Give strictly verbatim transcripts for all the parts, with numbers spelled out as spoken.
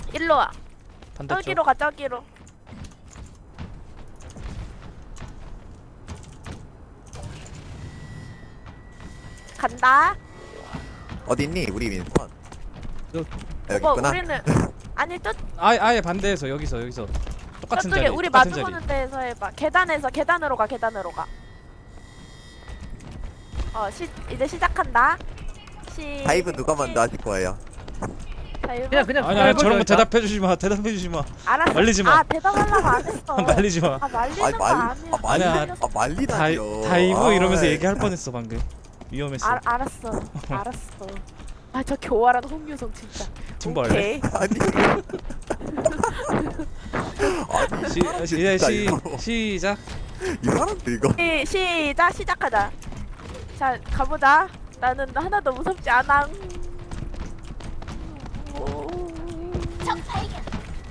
일로 와. 반대쪽. 저기로 가 저기로. 간다. 어디 있니 우리 민선? 저- 아, 여기 뭐 있구나. 우리는 아니 저 아예 아예 반대에서 여기서 여기서 똑같은 저쪽에 자리. 우리 똑같은 마주보는 자리. 데에서 해봐. 계단에서 계단으로 가 계단으로 가. 어 시 이제 시작한다. 시. 다이브 누가 먼저 하실 거예요? 다이브? 그냥 그냥 아니 아니 저런 거 일단. 대답해 주지 마. 대답해 주지 마. 알았어. 말리지 마. 아 대답하려고 안 했어. 말리지 마. 아 말리는 아니 거 말, 아니야. 아 말리, 아니야. 아 다이 말리다니요. 다이브 이러면서 아이. 얘기할 뻔했어 방금. 위험했어. 알 알았어. 알았어. 아 저 교활한 홍유성 진짜. 팀버 할래? 오케이. 아니. 아니 시, 시, 진짜 시, 이거. 시작. 이 사람들 이거. 시, 시작 시작하자. 자 가보자. 나는 하나도 무섭지 않아. 적 발견.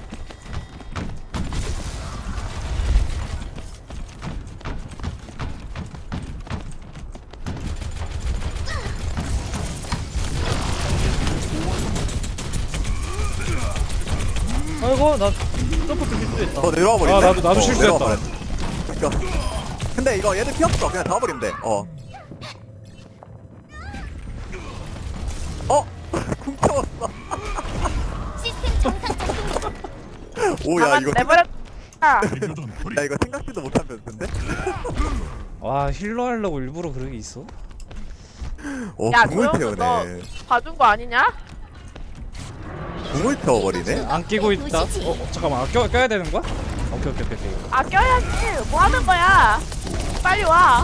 아이고 나 점프도 실수했다. 어 내려와 버리네. 아, 나도- 나도 어, 실수했다. 내려와 버렸네. 그러니까. 근데 이거 얘들 피 없어. 그냥 잡아버리면 돼. 어. 어? 쿵 쳐웠어. 오야 이거 내버려. 아, 야 이거 생각지도 못한 변수인데? 와 힐러 하려고 일부러 그런 게 있어? 어 야, 궁을 조용히 태우네. 봐준 거 아니냐? 궁을 태워버리네? 안 끼고 있다. 어, 어 잠깐만. 아, 껴 껴야 되는 거야? 오케이 오케이 오케이. 오케이. 아 껴야지. 뭐 하는 거야? 빨리 와.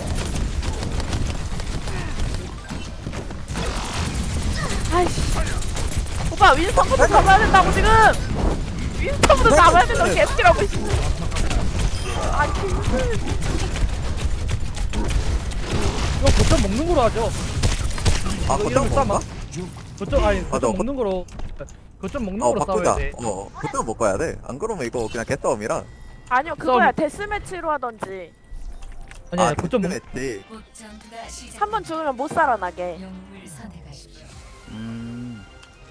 아이씨. 오빠 윈스턴부터 잡아야 된다고 지금. 윈스턴부터 잡아야 된다고 개띠라고 있어. 아 힘들. 이거 거점 먹는 거로 하죠. 아 이거 거점 이러면 싸마? 먹나? 거점 아니 아, 거점 너 먹는 거로. 거점 먹는 어 거로 바꾸자. 싸워야 돼. 어 거점 못 가야 돼. 안 그러면 이거 그냥 개싸움이라. 아니요 그거야 데스매치로 하던지. 아니야 아 거점 먹. 했지. 한 번 죽으면 못 살아나게. 음.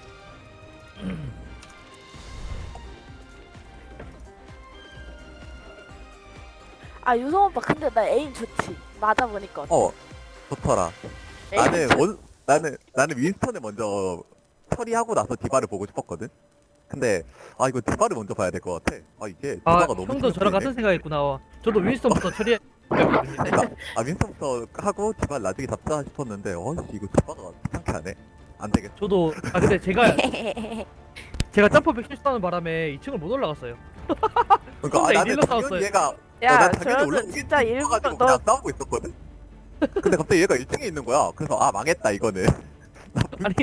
아 유성 오빠 근데 나 에임 좋지. 맞아 보니까. 어 좋더라. 에임 나는 좋- 원 나는 나는 윈스턴을 먼저 처리하고 나서 디바를 보고 싶었거든. 근데 아 이거 디바를 먼저 봐야 될 것 같아. 아 이게 아 디바가 너무 형도 저랑 같은 생각보이네. 생각했구나. 저도 윈스턴부터 처리해. 그러니까 아 윈스턴부터 하고 디바 나중에 잡자 싶었는데 어씨 이거 디바가 귀찮게 하네. 안 되겠어. 저도 아 근데 제가 제가 점프백 실수하는 바람에 이 층을 못 올라갔어요. 그러니까 아, 혼자 나는 일일로 당연히 싸웠어요. 얘가 어, 야 난 당연히 저는 올라오겠지 진짜 일부러 싶어가지고 너 그냥 싸우고 있었거든. 근데 갑자기 얘가 일 등에 있는 거야. 그래서 아 망했다 이거는. 아니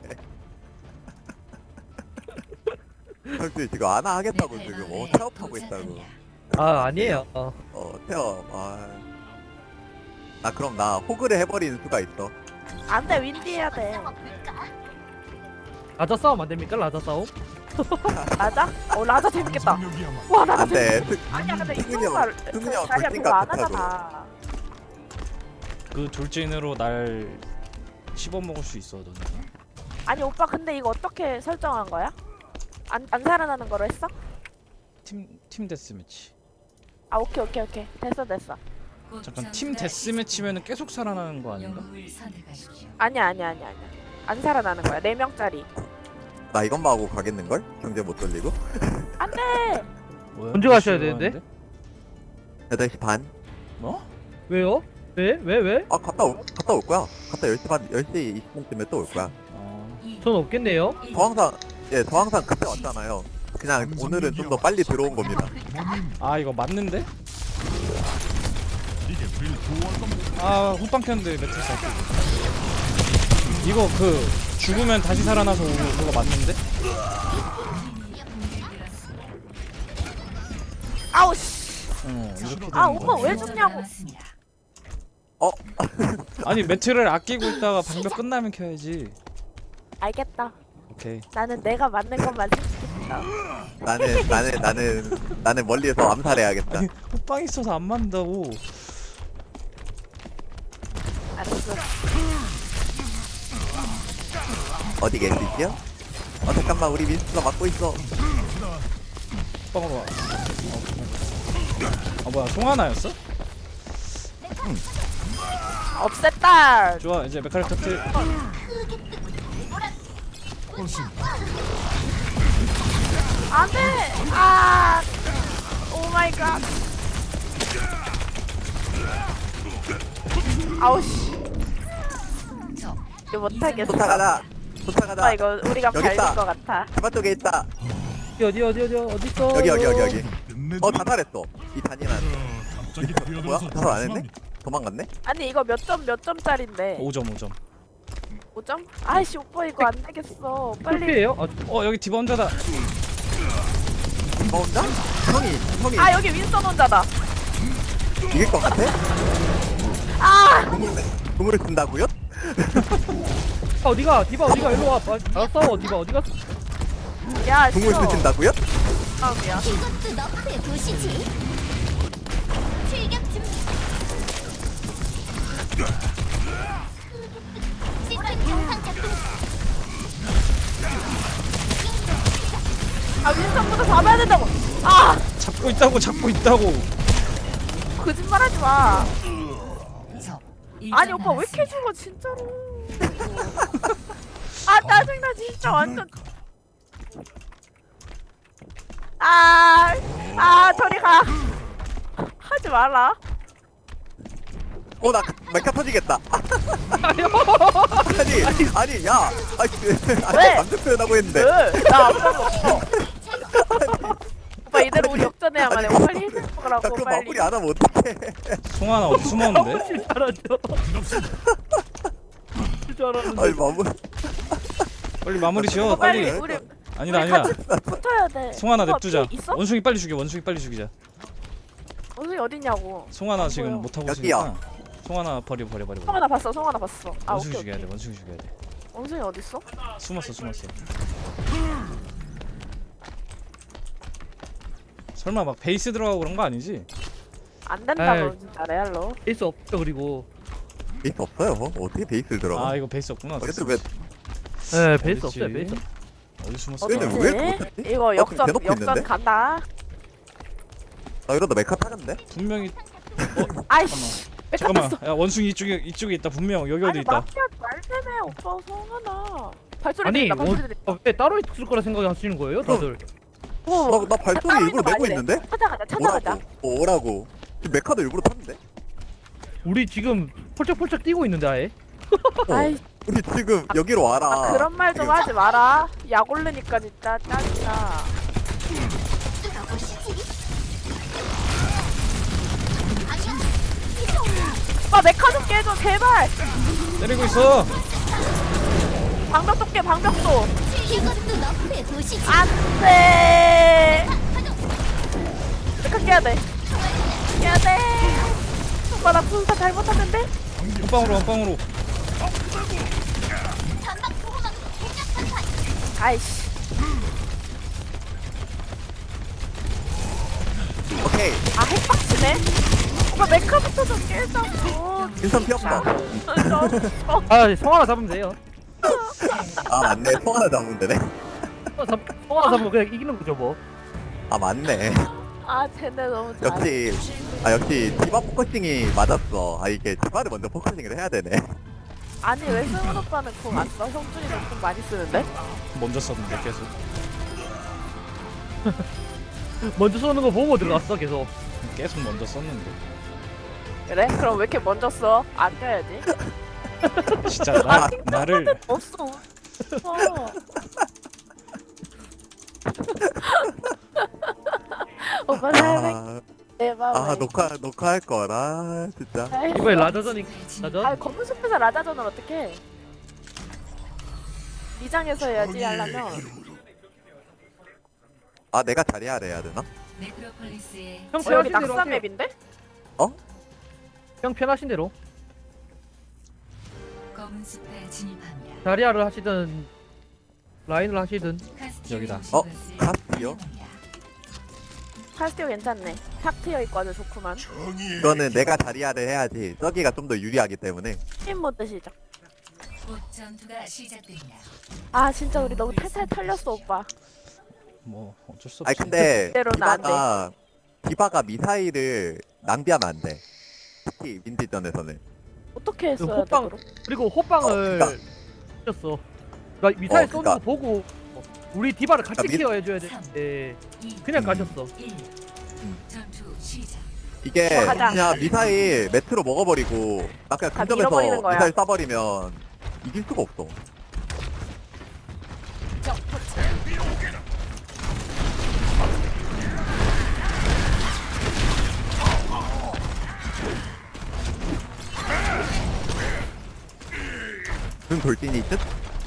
형들 지금 안아 하겠다고 지금 어 태업하고 있다고. 아 아니에요. 어. 어 태업. 아. 나 그럼 나 호그를 해버리는 수가 있어. 안돼 윈디 해야 돼. 라자 싸움 안 됩니까? 라자 싸움? 라자? 어 라자 재밌겠다. 와 라자 안돼. 재밌. 아니야 근데 승은이 이쪽가 형, 승은이 형 자리야 돌진 그거 안 같다고. 하잖아. 그 돌진으로 날 씹어 먹을 수 있어 너는. 아니 오빠 근데 이거 어떻게 설정한 거야? 안, 안 살아나는 거로 했어? 팀팀 데스매치. 아 오케이 오케이 오케이 됐어 됐어. 잠깐 팀 데스매치면은 계속 살아나는 거 아닌가? 아니야 아니야 아니야 아니야. 안 살아나는 거야 네 명짜리. 나 이것만 하고 가겠는 걸? 경제 못 돌리고. 안돼. 뭐야? 언제 가셔야 몇 시에 되는데? 가는데? 여덟 시 반. 뭐? 왜요? 왜? 왜? 왜? 아 갔다 올 갔다 올 거야. 갔다 열 시 반 열 시 이십 분쯤에 또 올 거야. 어. 전 없겠네요. 저 항상 예, 저 항상 그때 왔잖아요. 그냥 오늘은 좀 더 빨리 들어온 겁니다. 아 이거 맞는데? 아 후빵 켰는데 매트리스 안 끼고. 이거 그 죽으면 다시 살아나서 오는 그거 맞는데? 아우 씨. 어 이렇게 되는 아 거. 오빠 왜 죽냐고. 어? 아니 매트를 아끼고 있다가 방벽 끝나면 켜야지. 알겠다. 오케이. 나는 내가 맞는 것만 생각했다. 나는 나는 나는 나는 멀리에서 암살해야겠다. 아니 후빵 있어서 안 맞는다고. 알았어. 어디 계시죠? 아 잠깐만 우리 윈스가 막고 있어. 빵으로 와. 아 뭐야 송하나였어? 없앴다. 좋아 이제 메카를 터트. 안돼. 아. 오 마이 갓. 아우씨. 이거 못하겠어. 쫓아가자. 쫓아가자. 아 이거 우리가 여기 발릴 있다. 것 같아. 디바 쪽에 있다. 어디 어디 어디 어디 어디 있어? 여기 여기 여기 여기. 어 자살했어. 이 잔인한. 뭐야? 자살 안 했네? 도망갔네? 아니 이거 몇 점 몇 점짜린데? 오 점 오 점. 오 점? 아이씨 오빠 이거 안 되겠어. 빨리. 필피해요? 아, 어 여기 디바 혼자다. 디바 혼자? 형이 형이 아 여기 윈선 혼자다. 이길 것 같아? 아. 공을 쓴다고요? 아, 어디가? 디바 어디가? 일로 와. 아, 알았어. 디바 어디 갔어? 야 공을 싫어. 쓰신다고요? 다음이야. 이것도 너프의 도시지. 출격 준비. 시스템 정상 작동. 아 윈선부터 잡아야 된다고. 아 잡고 있다고 잡고 있다고. 거짓말하지 마. 아니 오빠 왜 이렇게 죽어 진짜로. 아 짜증나 진짜 완전. 아, 아 저리 가. 하지 마라. 어나 메카 터지겠다. 아니 아니 야 아니 아니 왜? 감정 표현하고 했는데. 나 아무 말도 없어. 오빠 이대로 우리 역전해야만 해. 빨리 힐 나 먹으라고 그 빨리. 마무리 안 하면 어떡해. 송하나 어디 숨었는데? 혹시 잘하죠? 줄 알았는데. 아니 마무리. 빨리 마무리 지어 오빠 빨리 빨리. 우리 아니다 우리 아니다. 같이 붙어야 돼. 송하나 오빠 냅두자. 피 있어? 원숭이 빨리 죽여 원숭이 빨리 죽이자. 원숭이 어딨냐고. 송하나 지금 뭐야? 못 하고 여기요. 있으니까. 송하나 버려 버려 버려. 버려. 성하나 봤어. 성하나 봤어. 아 원숭이 오케이 죽여야 오케이. 돼 원숭이 죽여야 돼. 원숭이 어딨어? 숨었어 숨었어. 설마 막 베이스 들어가고 그런 거 아니지? 안 된다 에이. 너 진짜 레알로. 있어 없죠 그리고. 베이스 없어요. 어떻게 베이스를 들어가? 아 이거 베이스 없구나. 그래도 왜 네 베이스 어딨지? 없어요 베이스. 어디 숨었어? 근데 어딨지? 왜 못했지? 이거 나 지금 역전 대놓고 역전 있는데? 간다. 나 이러다 메카 타는데? 분명히 아이씨. 메카 잠깐만. 탔어. 야 원숭이 이쪽에 이쪽에 있다 분명 여기 어디 아니 있다. 마피아 말대네 오빠 성하나. 발소리 아니 들린다. 발소리 원, 들린다. 아, 왜 따로 있을 거라 생각하시는 거예요 다들? 오. 나, 나 발소리 따로 일부러 있는 거 내고 아니래. 있는데? 찾아가자 찾아가자. 뭐라고? 어, 오라고. 지금 메카도 일부러 탔는데? 우리 지금 펄쩍펄쩍 뛰고 있는데 아예? 어, 아이 우리 지금 여기로 와라. 아, 그런 말 좀 하지 마라. 약 올르니까 진짜 짜증나. 오빠 메카 좀 깨줘 제발. 때리고 있어. 방벽 좀 깨 방벽도. 이것도 너프의 도시지. 안돼. 메카 깨야 돼. 깨야 돼. 오빠 나 분사 잘못하는데? 원빵으로 원빵으로. 전방 보호막 대적 전환. 아이씨. 오케이. 아 핵박치네. 오빠 메카부터 좀 깨자고. 인선 피었다. 어, 아 성하나 잡으면 돼요. 아 맞네. 통 하나 잡으면 되네. 성하나 잡 성하나 잡으면 그냥 이기는 거죠 뭐. 아 맞네. 아 쟤네 너무 잘해. 역시 아 역시 디바 포커싱이 맞았어. 아 이게 디바를 먼저 포커싱을 해야 되네. 아니 왜 승훈 오빠는 공 안 써? 성준이는 공 많이 쓰는데? 먼저 썼는데 계속. 먼저 쏘는 거 보고 들어갔어 계속. 계속 먼저 썼는데. 그래? 그럼 왜 이렇게 먼저 써? 안 껴야지. 진짜 나 나를 없어. 어. 오빠 사랑해. 아, 내 마음에. 아 녹화 녹화할 거라 진짜. 이번에 라자전이 라전? 아 검은 숲에서 라자전을 어떻게? 미장에서 해야지 하려면. 아 내가 자리하래 해야 되나? 형 어, 여기 편하신 대로 낙사 하세요. 맵인데? 형 편하신 대로. 검은 숲에 진입합니다. 자리아를 하시든 라인을 하시든. 여기다. 어? 카스티요? 카스티오 괜찮네. 탁 트여 있고 아주 좋구만. 이거는 내가 자리하래 해야지. 저기가 좀 더 유리하기 때문에. 팀 모드 시작. 곧 전투가 시작됩니다. 아 진짜 우리 너무 탈탈 털렸어 오빠. 뭐 어쩔 수 아니 없지. 근데 그대로는 안 돼. 디바가 디바가 미사일을 낭비하면 안 돼. 특히 민지전에서는. 어떻게 그 했어야 돼 호빵 그럼? 그리고 호빵을 어, 쳤어. 그러니까 미사일 어, 쏘는 그러니까. 거 보고 우리 디바를 같이 그러니까 미- 케어해줘야 되는데 그냥 가셨어. 일. 전투 시작. 이게 어, 가자. 그냥 미사일 매트로 먹어버리고 나 그냥 다 근접에서 밀어버리는 거야. 미사일 쏴버리면 이길 수가 없어. 눈 돌진이 듯?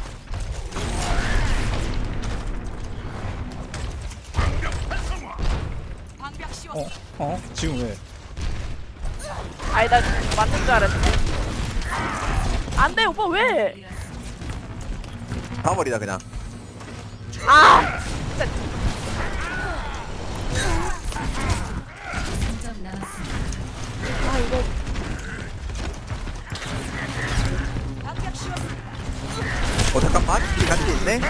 어? 어? 지금 왜? 아니 나 맞는 줄 알았는데. 안돼 오빠 왜? 쏴버리자 그냥. 아 진짜 삼 점 남았습니다. 아 이거 어 잠깐만 이 같이 있네?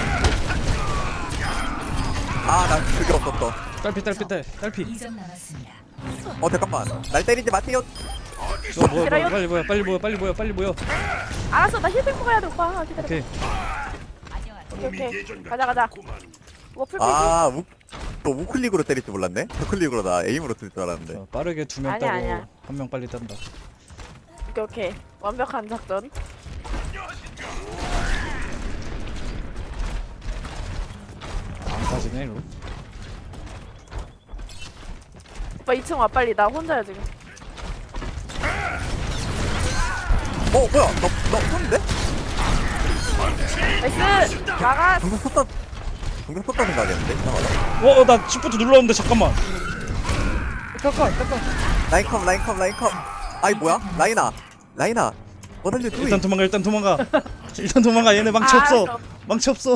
아나 그게 없었어. 딸피 딸피 딸 딸피. 이 점 남았습니다. 어 잠깐만 날 때리지 마세요. 너 뭐, 뭐, 싫어요? 빨리 모여 빨리 모여 빨리 모여 빨리 모여. 알았어 나 힐백 먹어야 돼 오빠 기다려. 오케이. 오케이 오케이 가자 가자. 워플 패기. 아 우, 또 우클릭으로 때릴 줄 몰랐네? 저클릭으로 나 에임으로 쓸 줄 알았는데. 자, 빠르게 두 명 아니야, 따고 아니야. 한 명 빨리 딴다. 오케이 오케이 완벽한 작전. 안 빠지네 이로. 오빠 이 층 와 빨리 나 혼자야 지금. 어 뭐야 너너 쏘는데? 나이스 나가. 방금 썼다 방금 썼다 생각했는데? 이상하다. 어, 어, 나 시프트 눌렀는데 잠깐만. 잠깐 잠깐. 라인컵 라인컵 라인컵. 아이 뭐야? 라인아 라인아 뭐든지 일단 투이. 도망가 일단 도망가. 일단 도망가 얘네 망치 아, 없어. 알았어. 망치 없어.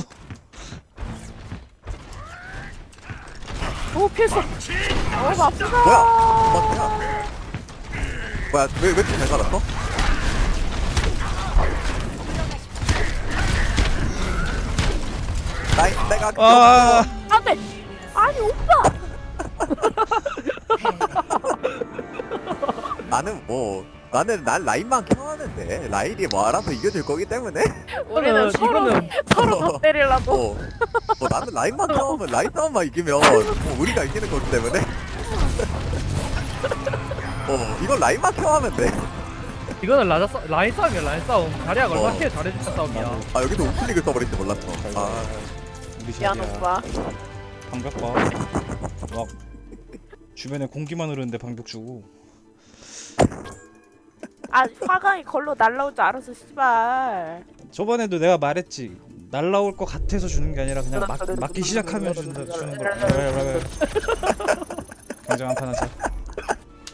오 피했어. 오 아프다. 뭐야? 뭐야? 뭐야 왜 왜 이렇게 잘 살았어? 라인 내가 아, 안돼. 아니 오빠. 나는 뭐 나는 난 라인만 켜하는데 라인이 뭐 알아서 이겨줄 거기 때문에 우리는 이거는- 서로 이거는- 서로 더 때리려고. 어, 뭐 나는 라인만 켜하면 라인 싸움만 이기면 뭐 우리가 이기는 거기 때문에 어 이건 라인만 켜하면 돼. 이거는 라자 싸, 라인 싸움이야 라인 싸움. 자리아가 어. 얼마나 케어 잘해주는 싸움이야. 아 여기서 우클릭을 써버릴 줄 몰랐어. 아 우리 미안 자리야. 오빠. 방벽 봐. 막 주변에 공기만 흐르는데 방벽 주고. 아 화강이 걸로 날라올 줄 알았어 씨발. 저번에도 내가 말했지. 날라올 것 같아서 주는 게 아니라 그냥 막, 맞기 시작하면 준다 주는 거. 굉장한 판 하자.